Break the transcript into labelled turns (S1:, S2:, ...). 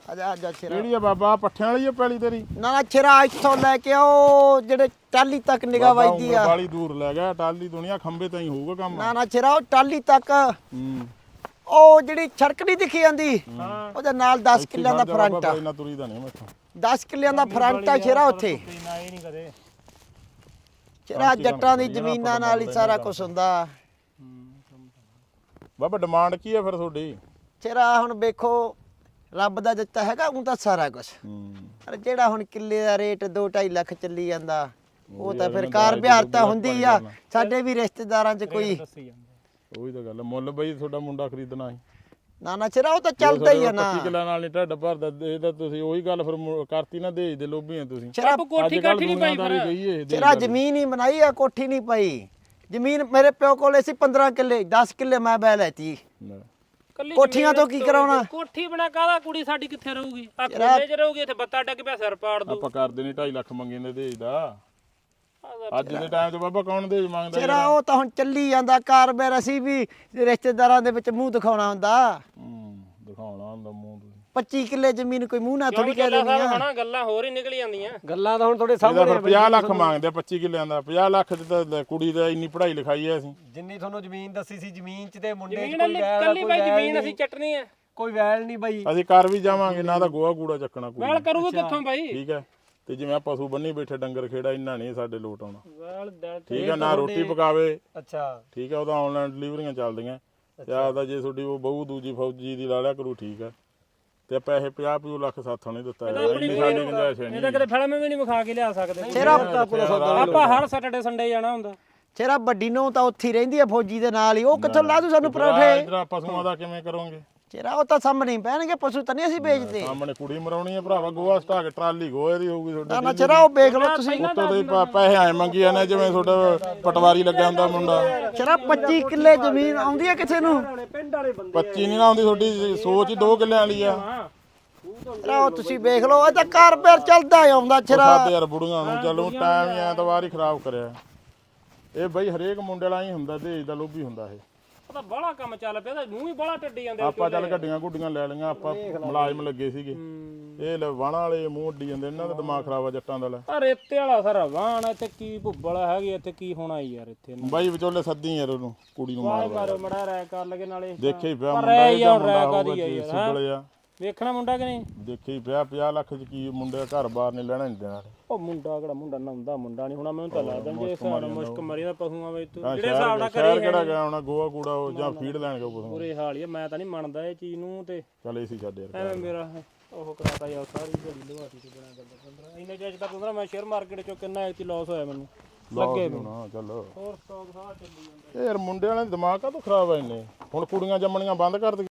S1: ਆਜਾ ਛੇਰਾ
S2: ਕਿਹੜੀ ਆ ਬਾਬਾ ਪੱਠਿਆਂ ਵਾਲੀ ਆ ਪੈਲੀ ਤੇਰੀ?
S1: ਨਾ ਛੇਰਾ ਇੱਥੋਂ ਲੈ ਕੇ ਉਹ ਜਿਹੜੇ ਟਾਲੀ ਤੱਕ ਨਿਗਾਹ ਵੱਜਦੀ ਆ।
S2: ਬਾਲੀ ਦੂਰ ਲੈ ਗਿਆ, ਟਾਲੀ ਦੁਨੀਆ ਖੰਬੇ ਤਾਂ ਹੀ ਹੋਊਗਾ ਕੰਮ।
S1: ਨਾ ਛੇਰਾ ਉਹ ਟਾਲੀ ਤੱਕ
S2: ਹੂੰ
S1: ਉਹ ਜਿਹੜੀ ਸੜਕ ਨਹੀਂ ਦਿਖੀ ਜਾਂਦੀ ਉਹਦੇ ਨਾਲ 10 ਕਿੱਲਿਆਂ ਦਾ ਫਰੰਟ ਆ।
S2: ਇੰਨਾ ਤੁਰੀ ਦਾ ਨਹੀਂ ਮੈਥੋਂ।
S1: 10 ਕਿੱਲਿਆਂ ਦਾ ਫਰੰਟ ਆ ਛੇਰਾ ਉੱਥੇ।
S3: ਨਾ ਇਹ ਨਹੀਂ ਕਦੇ
S1: ਛੇਰਾ ਜੱਟਾਂ ਦੀ ਜ਼ਮੀਨਾਂ ਨਾਲ ਹੀ ਸਾਰਾ ਕੁਝ ਹੁੰਦਾ।
S2: ਬਾਬਾ ਡਿਮਾਂਡ ਕੀ ਆ ਫਿਰ ਤੁਹਾਡੀ?
S1: ਛੇਰਾ ਹੁਣ ਵੇਖੋ ਰੱਬ ਦਾ ਦਿੱਤਾ ਹੈਗਾ ਉਹ ਤਾਂ ਸਾਰਾ ਕੁਝ। ਪਰ ਜਿਹੜਾ ਹੁਣ ਕਿੱਲੇ ਦਾ ਰੇਟ 2-2.5 ਲੱਖ ਚੱਲੀ ਜਾਂਦਾ ਉਹ ਤਾਂ ਫਿਰ ਕਾਰ ਵਿਹਾਰ ਤਾਂ ਹੁੰਦੀ ਆ। ਸਾਡੇ ਵੀ ਰਿਸ਼ਤੇਦਾਰਾਂ 'ਚ ਕੋਈ
S2: ਉਹੀ ਤਾਂ ਗੱਲ ਮੁੱਲ ਬਈ ਤੁਹਾਡਾ ਮੁੰਡਾ ਖਰੀਦਣਾ ਸੀ।
S1: ਨਾ ਛੇਰਾ ਉਹ ਤਾਂ ਚੱਲਦਾ ਹੀ ਆ ਨਾ।
S2: 25 ਕਿੱਲਾ ਨਾਲ ਨਹੀਂ ਢੱਡ ਭਰਦਾ। ਇਹ ਤਾਂ ਤੁਸੀਂ ਉਹੀ ਗੱਲ ਫਿਰ ਕਰਤੀ ਨਾ, ਦੇਜ ਦੇ ਲੋਭੀ ਆ ਤੁਸੀਂ।
S1: ਛੇਰਾ
S3: ਕੋਠੀ ਕਾਠੀ ਨਹੀਂ ਪਾਈ
S1: ਛੇਰਾ ਜ਼ਮੀਨ ਹੀ ਬਣਾਈ ਆ, ਕੋਠੀ ਨਹੀਂ ਪਾਈ। ਜ਼ਮੀਨ ਮੇਰੇ ਪਿਓ ਕੋਲੇ ਸੀ 15 ਕਿੱਲੇ, 10 ਕਿੱਲੇ ਮੈਂ ਬੈ ਲੈਤੀ। ਕੋਠੀਆਂ ਤੋਂ ਕੀ ਕਰਾਉਣਾ?
S3: ਕੋਠੀ ਬਣਾ ਕਾਹਦਾ? ਕੁੜੀ ਸਾਡੀ ਕਿੱਥੇ ਰਹੂਗੀ? ਆ ਕੋਲੇ 'ਚ ਰਹੂਗੀ, ਇੱਥੇ ਬੱਤਾ ਡੱਗ ਪਿਆ ਸਿਰ ਪਾੜ ਦੂ।
S2: ਆਪਾਂ ਕਰਦੇ ਨਹੀਂ 2.5 ਲੱਖ ਮੰਗੇ ਨੇ ਦੇਜ ਦਾ। ਅੱਜ ਦੇ ਟਾਈਮ 'ਚ ਬਾਬਾ ਕੌਣ ਦੇਜ ਮੰਗਦਾ?
S1: ਛੇਰਾ ਉਹ ਤਾਂ ਹੁਣ ਚੱਲੀ ਜਾਂਦਾ ਕਾਰਬੇਰ। ਅਸੀਂ ਵੀ ਰਿਸ਼ਤੇਦਾਰਾਂ ਦੇ ਵਿੱਚ ਮੂੰਹ ਦਿਖਾਉਣਾ ਹੁੰਦਾ।
S2: ਦਿਖਾਉਣਾ ਹੁੰਦਾ ਮੂੰਹ ਤੁਸੀਂ।
S1: 25 ਕਿੱਲੇ ਜ਼ਮੀਨ ਕੋਈ ਮੂੰਹ ਨਾਲ ਥੋੜੀ ਕਹਿ ਦੇਣੀ ਆ।
S3: ਹਣਾ ਗੱਲਾਂ ਹੋਰ ਹੀ ਨਿਕਲ ਜਾਂਦੀਆਂ।
S4: ਗੱਲਾਂ ਤਾਂ ਹੁਣ ਤੁਹਾਡੇ ਸਾਹਮਣੇ
S2: 50 ਲੱਖ ਮੰਗਦੇ ਆ 25 ਕਿੱਲਿਆਂ ਦਾ। 50 ਲੱਖ ਚ ਤਾਂ ਕੁੜੀ ਦਾ ਇੰਨੀ ਪੜ੍ਹਾਈ ਲਿਖਾਈ ਐ ਅਸੀਂ।
S4: ਜਿੰਨੀ ਤੁਹਾਨੂੰ ਜ਼ਮੀਨ ਦੱਸੀ ਸੀ, ਜ਼ਮੀਨ 'ਚ ਤੇ ਮੁੰਡੇ 'ਚ
S3: ਜ਼ਮੀਨ
S4: ਕੋਈ ਵੈਲ
S3: ਕੱਲੀ ਬਾਈ ਜ਼ਮੀਨ ਅਸੀਂ ਚੱਟਣੀ ਆ।
S4: ਕੋਈ ਵੈਲ ਨਹੀਂ ਬਾਈ।
S2: ਅਸੀਂ ਕਰ ਵੀ ਜਾਵਾਂਗੇ ਨਾ ਤਾਂ ਗੋਹਾ ਕੂੜਾ ਚੱਕਣਾ ਕੁੜੀ
S3: ਵੈਲ ਕਰੂਗਾ ਕਿੱਥੋਂ ਬਾਈ?
S2: ਠੀਕ ਹੈ। ਤੇ ਜਿਵੇਂ ਆ ਪਸ਼ੂ ਬੰਨੀ ਬੈਠੇ ਡੰਗਰ ਖੇੜਾ ਇੰਨਾ ਨਹੀਂ ਸਾਡੇ ਲੋਟ ਆਉਣਾ।
S3: ਵੈਲ
S2: ਠੀਕ ਹੈ ਨਾ ਰੋਟੀ ਪਕਾਵੇ।
S4: ਅੱਛਾ
S2: ਠੀਕ ਹੈ ਉਹਦਾ ਆਨਲਾਈਨ ਡਿਲੀਵਰੀਆਂ ਚੱਲਦੀਆਂ। ਤੇ ਆਦਾ ਜੇ ਤੁਹਾਡੀ ਉਹ ਬਹੂ ਦੂਜੀ ਫੌਜੀ ਦੀ ਲਾ ਲਿਆ ਕਰੂ। ਠੀਕ ਹੈ ਤੇ ਪੈਸੇ 50 ਲੱਖ ਸਾਥੋਂ ਨਹੀਂ ਦਿੱਤਾ ਇੰਨੀ ਸਾਡੀ ਗੁੰਜਾਇਸ਼
S3: ਇਹ
S2: ਨਹੀਂ।
S3: ਤਾਂ ਕਿਤੇ ਫਿਲਮ ਵੀ ਨਹੀਂ ਵਿਖਾ ਕੇ ਲਿਆ ਸਕਦੇ।
S1: ਛੇਰਾ
S3: ਆਪਾਂ ਹਰ ਸੈਟਰਡੇ ਸੰਡੇ ਜਾਣਾ ਹੁੰਦਾ।
S1: ਛੇਰਾ ਵੱਡੀ ਨੂੰ ਤਾਂ ਉੱਥੇ ਹੀ ਰਹਿੰਦੀ ਆ ਫੌਜੀ ਦੇ ਨਾਲ ਹੀ। ਉਹ ਕਿੱਥੋਂ ਲਾ ਦੂ ਸਾਨੂੰ ਪਰੌਠੇ?
S2: ਇਧਰ ਪਸ਼ੂਆਂ ਦਾ ਕਿਵੇਂ ਕਰੋਗੇ?
S1: ਛੇਰਾ ਉਹ ਤਾਂ ਸਾਹਮਣੇ ਹੀ ਪੈਣਗੇ। ਪਸ਼ੂ ਤਾਂ ਨਹੀਂ ਅਸੀਂ ਵੇਚਦੇ।
S2: ਸਾਹਮਣੇ ਕੁੜੀ ਮਰਾਉਣੀ ਹੈ ਭਰਾਵਾ। ਗੋਹਾ ਸਟਾ ਕੇ ਟਰਾਲੀ ਗੋਹੇ ਦੀ ਹੋਊਗੀ ਤੁਹਾਡੀ।
S1: ਨਾ ਛੇਰਾ ਉਹ ਵੇਖ ਲਓ ਤੁਸੀਂ।
S2: ਉੱਤੋਂ ਦੇ ਪੈਸੇ ਆਏ ਮੰਗੀ ਜਾਂਦੇ ਜਿਵੇਂ ਤੁਹਾਡਾ ਪਟਵਾਰੀ ਲੱਗਿਆ ਹੁੰਦਾ ਮੁੰਡਾ।
S1: ਛੇਰਾ 25 ਕਿੱਲੇ ਜ਼ਮੀਨ ਆਉਂਦੀ ਆ ਕਿਸੇ ਨੂੰ?
S2: 25 ਨਹੀਂ ਨਾ ਆਉਂਦੀ। ਤੁਹਾਡੀ ਸੋਚ ਹੀ 2 ਕਿੱਲਿਆਂ ਵਾਲੀ ਆ।
S1: ਉਹ ਤੁਸੀਂ ਵੇਖ ਲਓ। ਇਹ ਤਾਂ ਕਾਰਬੇਰ ਚੱਲਦਾ ਹੀ ਆਉਂਦਾ ਛੇਰਾ।
S2: ਸਾਡੇ ਯਾਰ ਬੁੜੀਆਂ ਨੂੰ ਚਲੋ ਟਾਈਮ ਹੀ ਐਤਵਾਰ ਹੀ ਖਰਾਬ ਕਰਿਆ। ਇਹ ਬਈ ਹਰੇਕ ਮੁੰਡੇ ਵਾਲਾ ਹੀ ਹੁੰਦਾ, ਦੇਜ ਦਾ ਲੋਭੀ ਹੁੰਦਾ ਇਹ।
S3: ਉਹ ਤਾਂ ਬੜਾ ਕੰਮ ਚੱਲ ਪਿਆ। ਤਾਂ ਮੂੰਹ ਹੀ ਬੜਾ ਟੱਡੀ ਜਾਂਦੇ।
S2: ਆਪਾਂ ਚੱਲ ਗੱਡੀਆਂ ਗੁੱਡੀਆਂ ਲੈ ਲਈਆਂ। ਆਪਾਂ ਮੁਲਾਜ਼ਮ ਲੱਗੇ ਸੀਗੇ। ਇਹ ਵਾਹਣਾ ਵਾਲੇ ਮੂੰਹ ਉੱਡੀ ਜਾਂਦੇ। ਇਹਨਾਂ ਦਾ ਦਿਮਾਗ ਖਰਾਬ ਆ ਜੱਟਾਂ ਦਾ।
S3: ਆ ਰੇਤੇ ਵਾਲਾ ਸਾਰਾ ਵਾਹਣ ਇੱਥੇ ਕੀ ਭੁੱਬਲ ਹੈਗੀ। ਇੱਥੇ ਕੀ ਹੋਣਾ ਯਾਰ? ਇੱਥੇ
S2: ਬਾਈ ਵਿਚੋਲੇ ਸੱਦੀ ਯਾਰ ਉਹਨੂੰ ਕੁੜੀ ਨੂੰ ਮਾਰ
S3: ਮਾਰੋ ਮੜਾ ਰਹਿ ਕਰ ਲਗੇ ਨਾਲੇ।
S2: ਦੇਖੇ ਹੀ ਪਿਆ
S3: ਪਰ
S2: ਮੁੰਡਾ
S3: ਇਹ ਯਾਰ
S2: ਮੁੰਡਾ
S3: ਰਹਿ
S2: ਹੋਊਗਾ
S3: ਕਾਦੀ
S2: ਜੀ
S3: ਯਾਰ?
S2: ਸੁਬਲੇ ਆ।
S3: ਵੇਖਣਾ ਮੁੰਡਾ ਕਿ ਨਹੀਂ?
S2: ਦੇਖੇ ਹੀ ਪਿਆ 50 ਲੱਖ ਚ ਕੀ ਮੁੰਡੇ ਘਰ ਬਾਹਰ ਨਹੀਂ ਲੈਣਾ ਨਹੀਂ ਦੇਣਾ।
S3: ਉਹ ਮੁੰਡਾ ਕਿਹੜਾ ਮੁੰਡਾ ਨਹਾਉਂਦਾ ਮੁੰਡਾ ਨਹੀਂ ਹੋਣਾ। ਮੈਨੂੰ ਤਾਂ ਲੱਗਦਾ ਜੇ ਹਿਸਾਬ ਨਾਲ ਮੁਸ਼ਕ ਮਰੀ ਦਾ ਪਸ਼ੂਆਂ ਵਿੱਚ ਤੂੰ ਜਿਹੜੇ ਹਿਸਾਬ ਨਾਲ ਕਰੀ
S2: ਕਿਹੜਾ ਗਿਆ ਹੋਣਾ ਗੋਆ ਕੂੜਾ ਉਹ ਜਾਂ ਫੀਡ ਲੈਣ ਗਿਆ ਪਸ਼ੂ।
S3: ਪੂਰੇ ਹਾਲ ਹੀ ਮੈਂ ਤਾਂ ਨਹੀਂ ਮੰਨਦਾ ਇਹ ਚੀਜ਼ ਨੂੰ। ਤੇ
S2: ਚੱਲ ਏਸੀ ਛੱਡ ਯਾਰ।
S3: ਐਵੇਂ ਮੇਰਾ ਉਹ ਕਰਾਤਾ ਯਾਰ ਸਾਰੀ ਜਿਹੜੀ ਲਵਾਤੀ ਤੇ ਬਣਾ ਗੱਲ 15 ਇੰਨੇ ਚਿਰ ਤੱਕ 15 ਮੈਂ ਸ਼ੇਅਰ ਮਾਰਕੀਟ ਚੋਂ ਕਿੰਨਾ ਐਕਚੁਅਲੀ ਲਾਸ ਹੋਇਆ ਮੈਨੂੰ ਲੱਗੇ
S2: ਨਾ। ਚੱਲ
S3: ਹੋਰ ਸਟਾਕ ਸਾਰਾ ਚੱਲੀ ਜਾਂਦਾ।
S2: ਇਹ ਯਾਰ ਮੁੰਡੇ ਵਾਲਿਆਂ ਦਾ ਦਿਮਾਗ ਕਾਹਤੋਂ ਖਰਾਬ ਆ ਇੰਨੇ? ਹੁਣ ਕੁੜੀਆਂ ਜੰਮਣੀਆਂ ਬੰਦ ਕਰ ਦੇ।